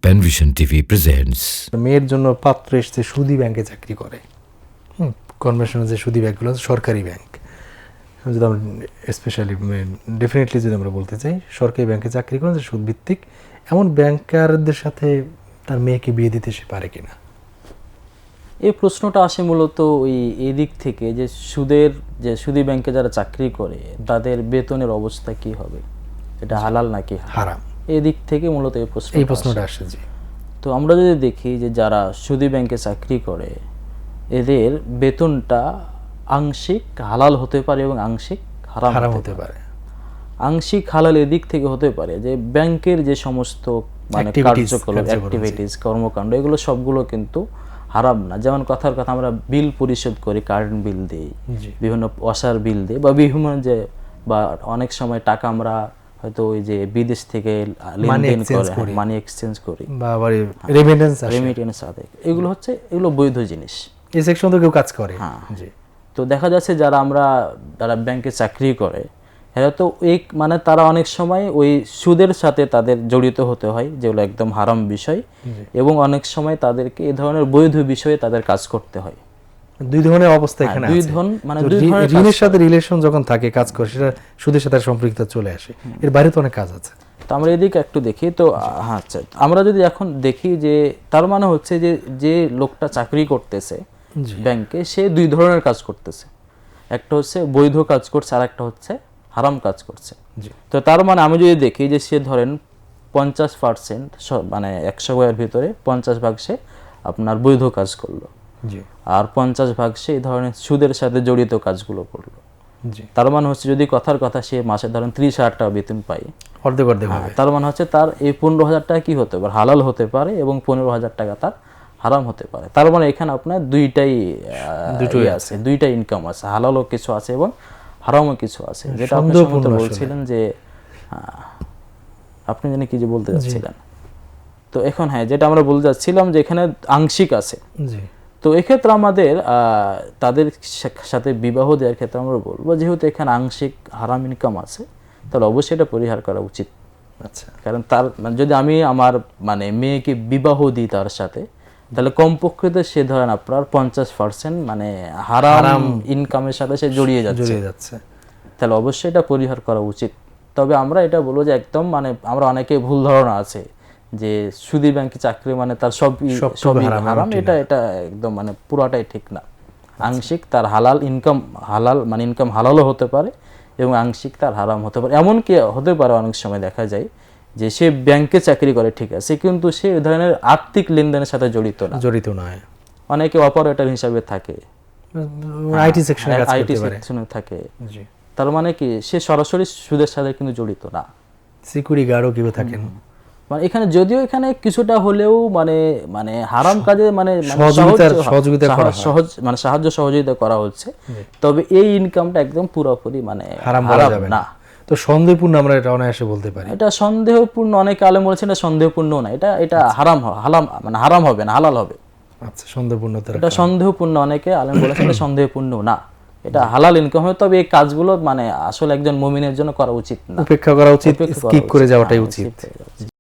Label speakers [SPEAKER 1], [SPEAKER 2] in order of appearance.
[SPEAKER 1] Penvision TV presents.
[SPEAKER 2] মেয়ের জন্য পাত্র এসছে সুদী ব্যাংকে চাকরি করে। কনভেনশনাল যে সুদী ব্যাংকগুলো সরকারি ব্যাংক, যদি আমরা স্পেশালি ডেফিনেটলি যদি আমরা বলতে চাই সরকারি ব্যাংকে চাকরি করেন যে সুদ ভিত্তিক, এমন ব্যাংকারদের সাথে তার মেয়েকে বিয়ে দিতে সে পারে কিনা?
[SPEAKER 3] এই প্রশ্নটা আসে মূলত এই দিক থেকে যে সুদী ব্যাংকে যারা চাকরি করে তাদের বেতনের অবস্থা কি হবে, এটা হালাল নাকি
[SPEAKER 2] হারাম,
[SPEAKER 3] এই দিক থেকে মূলত এই প্রশ্নটা
[SPEAKER 2] আসে। জি,
[SPEAKER 3] তো আমরা যদি দেখি যে যারা সুদী ব্যাংকে চাকরি করে এদের বেতনটা আংশিক হালাল হতে পারে এবং আংশিক হারাম হতে পারে। আংশিক হালাল এদিক থেকে হতে পারে যে ব্যাংকের যে সমস্ত মানে কার্যকলাপ, অ্যাক্টিভিটিস, কর্মকাণ্ড, এগুলো সবগুলো কিন্তু হারাম না। যেমন কথার কথা আমরা বিল পরিশোধ করি, কারেন্ট বিল দিই, বিভিন্ন ওয়াসার বিল দিই, বা বিভিন্ন যে বা অনেক সময় টাকা আমরা হয়তো ওই যে বিদেশ থেকে লেনদেন করে মানি এক্সচেঞ্জ করি বা রেমিটেন্স আদায়, এগুলো বৈধ জিনিস।
[SPEAKER 2] এই সেকশন তো কেউ কাজ করে।
[SPEAKER 3] হ্যাঁ, তো দেখা যাচ্ছে যারা ব্যাংকে চাকরি করে এরা তো মানে তারা অনেক সময় ওই সুদের সাথে তাদের জড়িত হতে হয়, যেগুলো একদম হারাম বিষয়, এবং অনেক সময় তাদেরকে এই ধরনের বৈধ বিষয়ে তাদের কাজ করতে হয়।
[SPEAKER 2] দুই ধরনের অবস্থা এখানে আছে। দুই ধরনের ঋণের সাথে রিলেশন যখন থাকে, কাজ করে, সেটা সুদের সাথে সম্পৃক্ত চলে আসে। এর বাইরে তো অনেক কাজ আছে।
[SPEAKER 3] তো আমরা এদিকে একটু দেখি। তো আচ্ছা, আমরা যদি এখন দেখি যে তার মানে হচ্ছে যে লোকটা চাকরি করতেছে ব্যাংকে, সে দুই ধরনের কাজ করতেছে। একটা হচ্ছে বৈধ কাজ করছে, আর একটা হচ্ছে হারাম কাজ করছে। তো তার মানে আমি যদি দেখি যে সে ধরেন 50% মানে 100 ভাগের ভিতরে 50 ভাগ সে আপনার বৈধ কাজ করলো, আর 50 ভাগ সে এই ধরনের সুদের সাথে জড়িত কাজগুলো করলো। তার মানে হচ্ছে যদি কথার কথা সে মাসে ধরেন 30,000 টাকা বেতন পায়,
[SPEAKER 2] অর্ধেক
[SPEAKER 3] তার মানে হচ্ছে তার এই 15,000 টাকা কি হতে পারে, হালাল হতে পারে, এবং 15,000 টাকা তার হারাম হতে পারে। তার মানে এখানে আপনার দুইটাই আছে, দুইটা ইনকাম আছে, হালালও কিছু আছে এবং হারামও কিছু আছে। যেটা আপনি বলছিলেন যে আপনি জানি কি যে বলতে যাচ্ছিলেন, তো এখন হ্যাঁ, যেটা আমরা বলতে যাচ্ছিলাম যে এখানে আংশিক আছে। তো এক্ষেত্রে আমাদের তাদের সাথে বিবাহ দেওয়ার ক্ষেত্রে আমরা বলবো, যেহেতু এখানে আংশিক হারাম ইনকাম আছে, তাহলে অবশ্যই এটা পরিহার করা উচিত।
[SPEAKER 2] আচ্ছা,
[SPEAKER 3] কারণ তার যদি আমি আমার মানে মেয়েকে বিবাহ দিই তার সাথে, তাহলে কমপক্ষে সে ধরেন আপনার 50% মানে হারাম ইনকামের সাথে সে জড়িয়ে যাচ্ছে, তাহলে অবশ্যই এটা পরিহার করা উচিত। তবে আমরা এটা বলবো যে একদম মানে আমরা অনেকে ভুল ধারণা আছে যে সুদী ব্যাংকে চাকরি মানে তার সবই হারাম, এটা একদম মানে পুরাটাই ঠিক না। আংশিক তার ইনকাম হালালও হতে পারে এবং আংশিক তার হারাম হতে পারে। এমনকি হতে পারে অনেক সময় দেখা যায় যে সে ব্যাংকে চাকরি করে, ঠিক আছে, কিন্তু সে এই ধরনের আর্থিক লেনদেনের সাথে জড়িত নয়। অনেকে অপারেটর হিসাবে থাকে,
[SPEAKER 2] আইটি সেকশনে
[SPEAKER 3] থাকে। তার মানে কি সে সরাসরি সুদের সাথে কিন্তু জড়িত না।
[SPEAKER 2] সিকিউরিটি গার্ডও কেউ থাকেন।
[SPEAKER 3] মানে এখানে যদিও এখানে কিছুটা হলেও মানে হারাম কাজে মানে সাহায্য সহযোগিতা করা হচ্ছে, তবে এই ইনকামটা একদম পুরোপুরি মানে হারাম না।
[SPEAKER 2] তো সন্দেহপূর্ণ আমরা এটা অনায়াসে বলতে পারি।
[SPEAKER 3] এটা সন্দেহপূর্ণ, অনেক আলেম বলেছেন এটা সন্দেহপূর্ণ না, এটা হারাম হবে না, হালাল হবে।
[SPEAKER 2] আচ্ছা, সন্দেহপূর্ণ,
[SPEAKER 3] এটা সন্দেহপূর্ণ, অনেকে আলেম বলেছেন এটা সন্দেহপূর্ণ না, এটা হালাল ইনকাম হবে। তবে এই কাজগুলো মানে আসলে একজন মুমিনের জন্য করা উচিত না,
[SPEAKER 2] উপেক্ষা করা উচিত, স্কিপ করে যাওয়াটাই উচিত।